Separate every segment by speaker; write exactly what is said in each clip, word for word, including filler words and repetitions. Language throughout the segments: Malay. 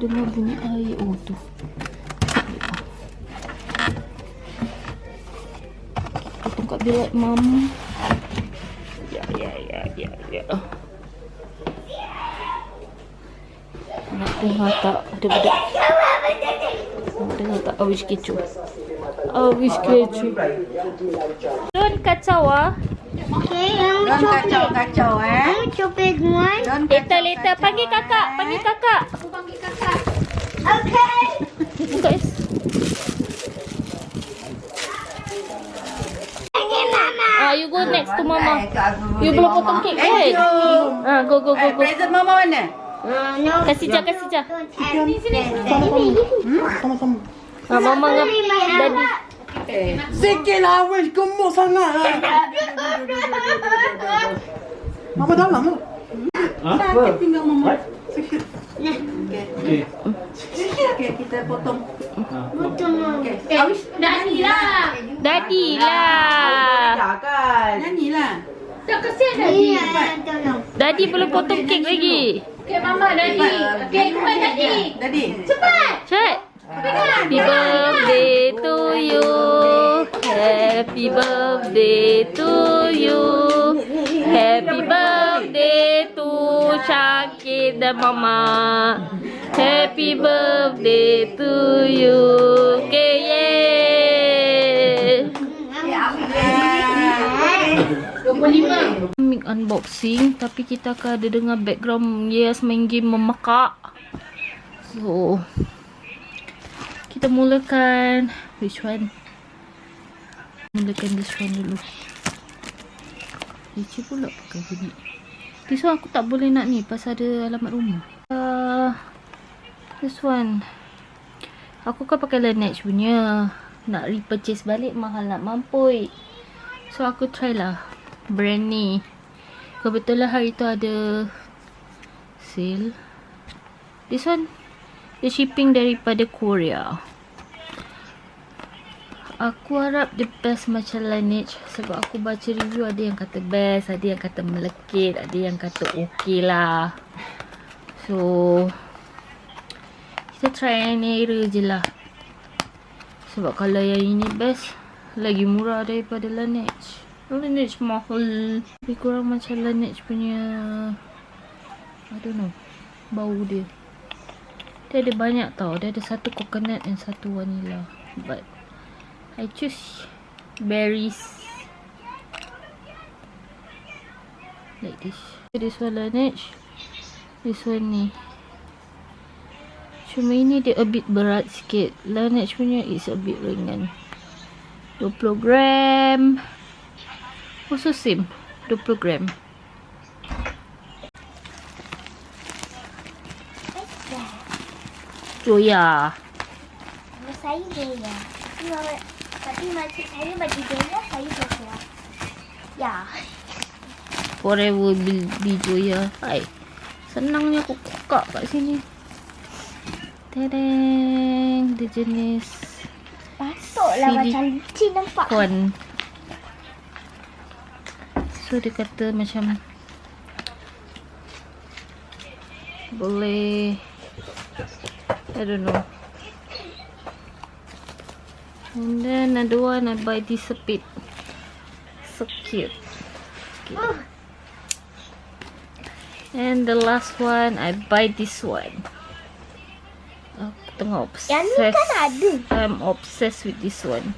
Speaker 1: dengar bunyi air. Oh tu. Potong kat bilik mam. Ya ya ya ya ya. Nak dengar tak ada budak. Nak dengar tak habis kecoh. Habis kecoh. Don't kacau ah.
Speaker 2: Okay, yang
Speaker 3: Jangan
Speaker 2: coklat.
Speaker 3: kacau-kacau eh.
Speaker 2: Yang coklat one.
Speaker 3: Jangan
Speaker 1: Later later panggil kakak, panggil kakak.
Speaker 2: Aku panggil kakak. Okay.
Speaker 1: Buka es.
Speaker 2: Okay, Mama.
Speaker 1: Ah, you go next to mama.
Speaker 3: Eh, kat aku
Speaker 1: You
Speaker 3: boleh
Speaker 1: belum
Speaker 3: mama.
Speaker 1: potong kek
Speaker 3: Thank
Speaker 1: kan?
Speaker 3: you.
Speaker 1: Ah, go go go
Speaker 3: Eh,
Speaker 1: go.
Speaker 3: present mama mana?
Speaker 2: Uh, no.
Speaker 1: Kasih jah, kasih jah.
Speaker 2: Don't have sini.
Speaker 3: Sama-sama.
Speaker 1: Ah, mama ngam daddy.
Speaker 3: Eh, sikit lah weh, gemuk sangat lah. Mama dalam lah. Sakit tinggal mama. Sikit. Okey. Sikit okey, kita potong.
Speaker 2: Betul.
Speaker 3: Okey. Habis
Speaker 2: Daddy lah.
Speaker 1: Daddy lah.
Speaker 3: kan. Nyanyilah.
Speaker 2: Tak kesian Daddy. Tolong.
Speaker 1: Daddy belum potong kek lagi.
Speaker 2: Okay, Mama Daddy. Okay, buat Daddy.
Speaker 3: Daddy.
Speaker 2: Cepat.
Speaker 1: Cek. Happy birthday to you. Happy birthday to you. Happy birthday to Syakir dan Mama. Happy birthday to you. Okay, yay.
Speaker 2: dua puluh lima.
Speaker 1: Make unboxing, tapi kita akan ada dengar background Yes main game memakak. So kita mulakan which one? Mulakan this one dulu. Leceh pula pakai bunyi. This one aku tak boleh nak ni pasal ada alamat rumah. Uh, this one aku kan pakai Laneige punya. Nak repurchase balik mahal nak mampui. So aku try lah brand ni. Kebetulan hari tu ada sale. This one dia shipping daripada Korea. Aku harap dia best macam Laneige. Sebab aku baca review, ada yang kata best, ada yang kata melekit, ada yang kata okey lah. So kita try yang era je lah. Sebab kalau yang ini best, lagi murah daripada Laneige. Laneige mahal. Lebih kurang macam Laneige punya, I don't know, bau dia. Dia ada banyak tau. Dia ada satu coconut dan satu vanilla. But I choose berries. Like this. This one Laneige. This one ni. Cuma ini dia a bit berat sikit. Laneige punya is a bit ringan. dua puluh gram. Also same. dua puluh gram. Joya.
Speaker 2: Nama saya Joya. Nama, tapi macam saya bagi Joya, saya Joya. Ya.
Speaker 1: Forever be, be Joya. Hai. Senangnya aku kokak kat sini. Tereng. Dia jenis
Speaker 2: Patutlah
Speaker 1: Silik-
Speaker 2: macam licin nampak.
Speaker 1: kon. So dia kata macam boleh, I don't know. And then another one I buy this a bit. So cute. Okay. And the last one I buy this one. Aku tengah obsessed.
Speaker 2: Yang ni kan ada.
Speaker 1: I'm obsessed with this one.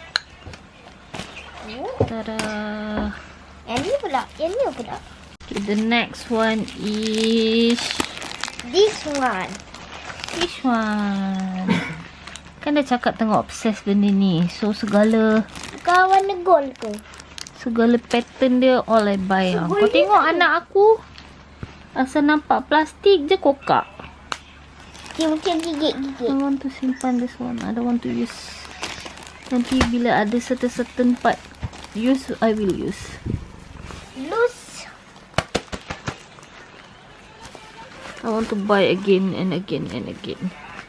Speaker 1: Tada.
Speaker 2: Yang ni pula. Yang ni pula.
Speaker 1: Okay, the next one is
Speaker 2: This one.
Speaker 1: this one. Kan dah cakap tengah obsessed benda ni. So segala
Speaker 2: Bukan warna gold ke?
Speaker 1: segala pattern dia all I buy lah. Kau tengok anak aku asal nampak plastik je kokak.
Speaker 2: Okay, mungkin gigit-gigit.
Speaker 1: I want to simpan this one. I don't want to use. Nanti bila ada certain-certain part use, I will use.
Speaker 2: Loose.
Speaker 1: I want to buy again and again and again.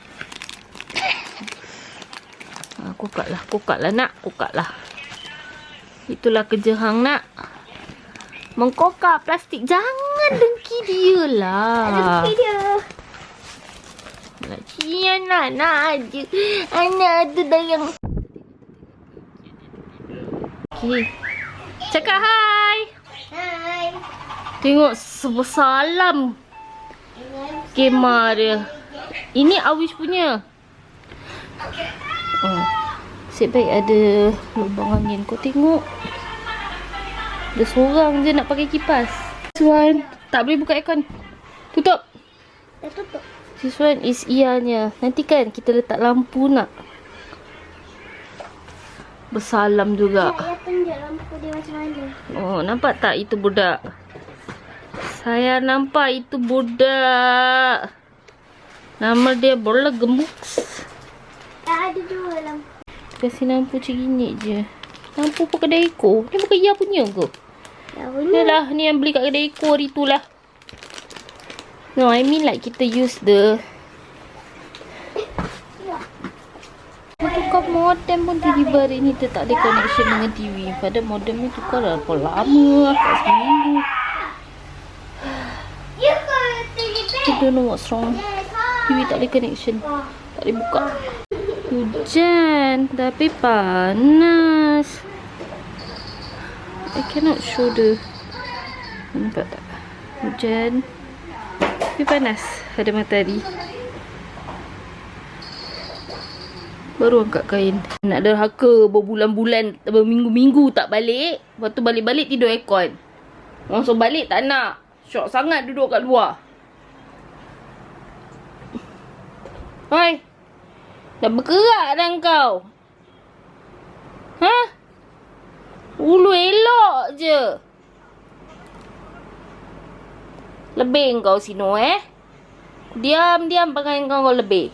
Speaker 1: Ha, kokak lah, kokak lah nak, kokak lah. Itulah kerja hang nak. Mengkokak plastik. Jangan dengki dia lah.
Speaker 2: Ada dia.
Speaker 1: Cian anak je. Anak tu dah yang... Okay. Cakap hai.
Speaker 2: Hai.
Speaker 1: Tengok sebesar alam kemah dia. Ini Awish punya. Oh. Asyik baik ada lubang angin. Kau tengok. Dia seorang je nak pakai kipas. This one. Tak boleh buka aircon. Tutup.
Speaker 2: Dah tutup.
Speaker 1: This one is ianya. Nanti kan kita letak lampu nak. Bersalam juga.
Speaker 2: Saya tunjuk lampu dia macam mana.
Speaker 1: Oh, nampak tak itu budak? Saya nampak itu budak. Nama dia bola gemuk.
Speaker 2: Tak ada dua lampu.
Speaker 1: Kasih lampu macam gini je. Lampu pun kedai Eko. Ni bukan Ia punya ke?
Speaker 2: Dah punya.
Speaker 1: Yalah, ni yang beli kat kedai Eko hari tu lah. No, I mean like kita use the... Tukar modem pun tiba-tiba hari ni dia tak ada connection dengan T V. Padahal modem ni tukar dah berapa lama lah. Kat seminggu.
Speaker 2: You got the
Speaker 1: I don't know what's wrong. T V tak ada connection. Tak boleh buka. Hujan. Tapi panas. I cannot show the... Nampak tak? Hujan. Tapi panas. Ada matahari. Baru angkat kain. Nak derhaka berbulan-bulan, berminggu-minggu tak balik. Lepas tu balik-balik tidur aircon. Langsung balik tak nak. Syok sangat duduk kat luar. Hai. Dah berkerak dah kau. Ha? Ulu elok je. Lebih kau Sino eh. Diam-diam pakai kau kau lebih.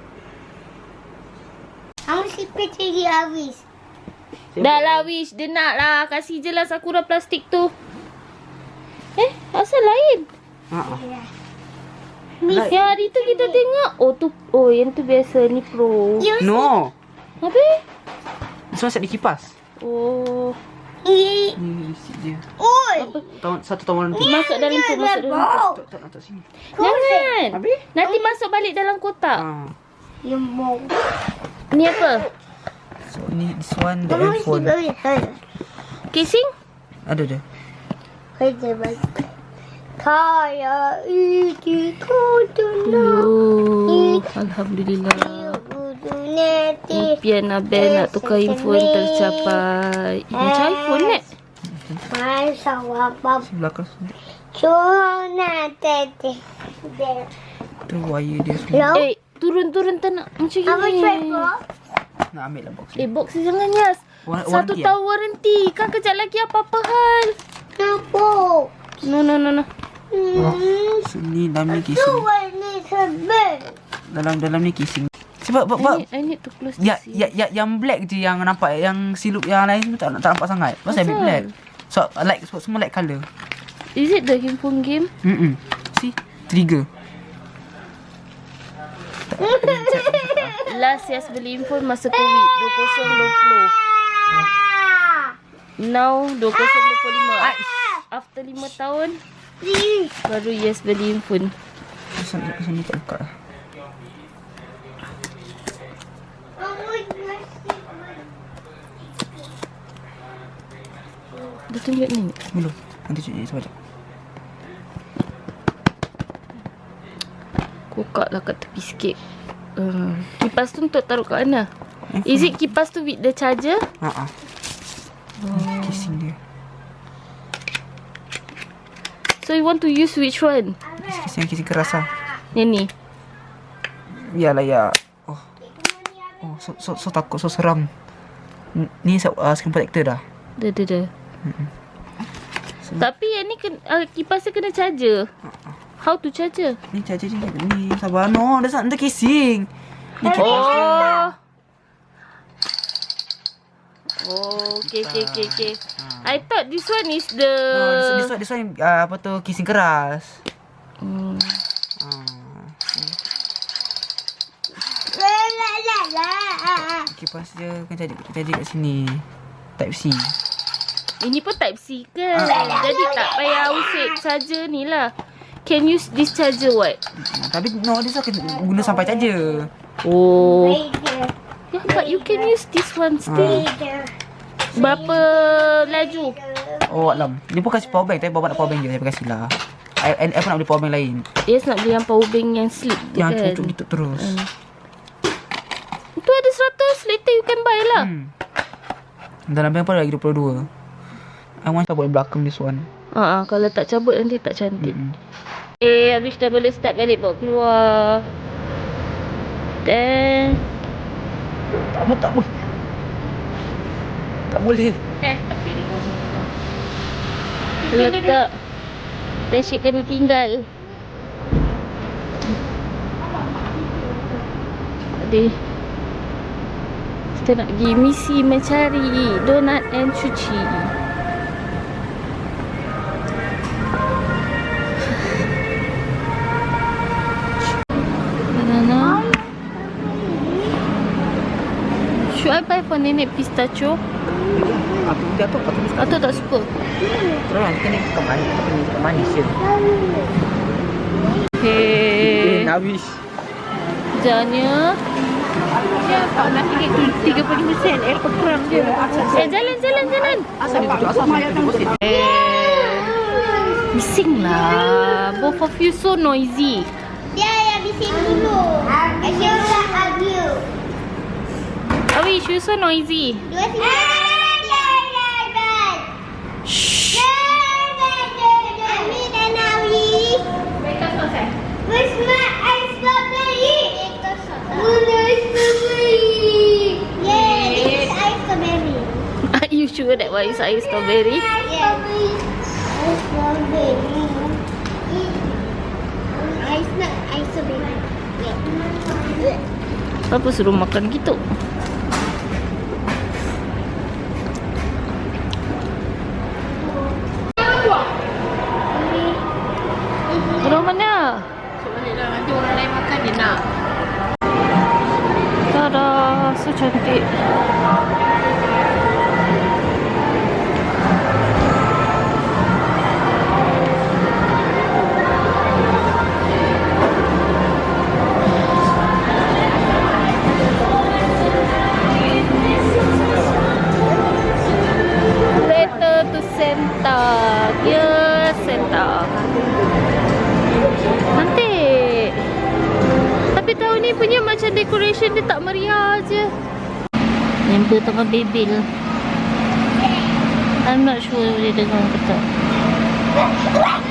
Speaker 2: Aku sikit lagi habis.
Speaker 1: Dah lah Wish. Dia nak lah. Kasih je lah Sakura plastik tu. Eh, asal lain?
Speaker 3: Ha.
Speaker 1: Miss, yang hari tu kita tengok. Oh tu, oh yang tu biasa. Ni pro.
Speaker 3: No.
Speaker 1: Habis?
Speaker 3: Semua set di kipas.
Speaker 1: Oh.
Speaker 2: Ih.
Speaker 3: Ni isi dia.
Speaker 2: Oi.
Speaker 3: Tahun satu tahun nanti.
Speaker 1: Masuk dalam tu, masuk dalam tu.
Speaker 3: Tak tak nak tak sini.
Speaker 1: Jangan.
Speaker 3: Habis?
Speaker 1: Nanti masuk balik dalam kotak.
Speaker 3: Ha.
Speaker 2: You mau.
Speaker 1: Ni apa?
Speaker 3: So ni this one the
Speaker 2: Kamu mesti
Speaker 3: handphone.
Speaker 2: beri.
Speaker 1: Casing?
Speaker 3: Ada ada.
Speaker 2: Kerja bagi. Kaya itu kuduna.
Speaker 1: Oh, Alhamdulillah.
Speaker 2: Kuduneti.
Speaker 1: Impian Abel nak tukar handphone tercapai. Eh, macam iPhone ni.
Speaker 2: Masa wapap.
Speaker 3: Sebelah keras.
Speaker 2: Cuma tete.
Speaker 3: Tu wire dia semua.
Speaker 2: Hello.
Speaker 1: Eh, turun-turun tak nak macam gini.
Speaker 2: Apa cuba?
Speaker 3: Nak ambil lah box
Speaker 1: Eh,
Speaker 3: ni.
Speaker 1: box ni jangan Yas.
Speaker 3: War-
Speaker 1: Satu
Speaker 3: warranty
Speaker 1: tahun warranty. Kan kejap lagi apa-apa hal.
Speaker 2: Apa?
Speaker 1: No, no, no, no.
Speaker 2: Hmm.
Speaker 3: Sini dalam ni
Speaker 2: Tu
Speaker 3: casing.
Speaker 2: warna sebel.
Speaker 3: Dalam dalam ni casing. Sebab
Speaker 1: I
Speaker 3: sebab sebab
Speaker 1: need, I need to close
Speaker 3: ya,
Speaker 1: this.
Speaker 3: ya, ya, yang black je yang nampak. Yang silup yang lain semua tak, tak nampak sangat. Pasal ambil
Speaker 1: Asal?
Speaker 3: black. So like sebab semua light colour.
Speaker 1: Is it the handphone game?
Speaker 3: Hmm. See? Trigger.
Speaker 1: Last Yas beli handphone masa COVID dua ribu dua puluh. Now dua ribu dua puluh lima. After lima tahun baru Yas beli handphone.
Speaker 3: Sini sini tak buka.
Speaker 1: Dah tunjuk ni.
Speaker 3: Belum. Nanti cuci sekejap.
Speaker 1: Kokak lah kat tepi sikit. Uh, kipas tu untuk taruh kat mana? Is it kipas tu with the charger?
Speaker 3: Ha ah. Oh. Casing dia.
Speaker 1: So you want to use which one?
Speaker 3: Casing casing keras lah.
Speaker 1: Yang ni.
Speaker 3: Biarlah ya. Oh. Oh, so so, so takut, so seram. N- Ni uh, screen protector dah.
Speaker 1: Dah, dah, dah.
Speaker 3: So,
Speaker 1: Tapi yang ni kena, uh, kipas dia kena charger. How to charger?
Speaker 3: ni charger je ni. Sabar no, dah nak casing. Ni kipas.
Speaker 1: Oh. Oh, okay, okay, okay, okay. I thought this one is the...
Speaker 3: No, this, this one, this one uh, apa tu, casing keras.
Speaker 1: Hmm.
Speaker 3: Ah,
Speaker 2: La la la la.
Speaker 3: kipas dia kan jadi jadi kat sini. Type C.
Speaker 1: Ini pun type C kan? Jadi tak payah usik charger ni lah. can use this charger what?
Speaker 4: Tapi no, dia akan guna sampai charger.
Speaker 1: Oh.
Speaker 2: Bigger.
Speaker 1: Yeah, but you can use this one still.
Speaker 2: Bigger.
Speaker 1: Berapa laju?
Speaker 4: Oh alam. Dia pun kasi power bank, tapi bawa nak power bank je, tapi kasihlah. I, I, I pun nak beli power bank lain.
Speaker 1: Yes, nak beli yang power bank yang slip tu
Speaker 4: Yang
Speaker 1: kan.
Speaker 4: cucuk gitu terus.
Speaker 1: Hmm. Tu ada seratus, later you can buy lah.
Speaker 4: Hmm. Dalam bank pun lagi dua puluh dua. I want to buat belakang this one.
Speaker 1: Ah, uh, kalau tak cabut nanti tak cantik.
Speaker 4: Mm-mm.
Speaker 1: Eh, habis dah boleh start balik bawa keluar. Then
Speaker 4: Tak boleh, tak boleh. Tak boleh.
Speaker 1: letak. Then Syed kena tinggal. Adik, kita nak pergi misi mencari donat and cuci. Banana. Should I buy for nenek pistachio?
Speaker 4: Aku dia tu aku mesti
Speaker 1: Atau tak suka?
Speaker 4: terus nanti kena ikan manis, kena ikan manis je.
Speaker 1: Okay.
Speaker 4: Habis.
Speaker 1: Kerjanya
Speaker 3: Pak nak tinggi tu tiga puluh lima sen. Eh, kurang je.
Speaker 1: Eh, jalan, jalan, jalan.
Speaker 4: Asal dia tujuh, asal dia tujuh sen.
Speaker 1: Eh, bising lah. Both of you so noisy.
Speaker 2: Dia yang bising dulu. Asyik tak argue.
Speaker 1: Awish, you so noisy.
Speaker 2: Dua sini.
Speaker 1: Shh.
Speaker 2: Ami dan Awi. Where's my ice strawberry? Where's strawberry? Yeah, this is ice strawberry.
Speaker 1: Are you sure that one is ice strawberry?
Speaker 2: Yeah. Ice strawberry. Ice not ice strawberry. Yeah.
Speaker 1: Apa suruh makan gitu? Orang mana?
Speaker 3: Baliklah nanti orang lain makan dia nak.
Speaker 1: Tada, so cantik. Letter to Santa. Dear Santa. Cantik. Tapi tahun ni punya macam decoration dia tak meriah je. Member tengah bebel. I'm not sure dia dengar ke tak.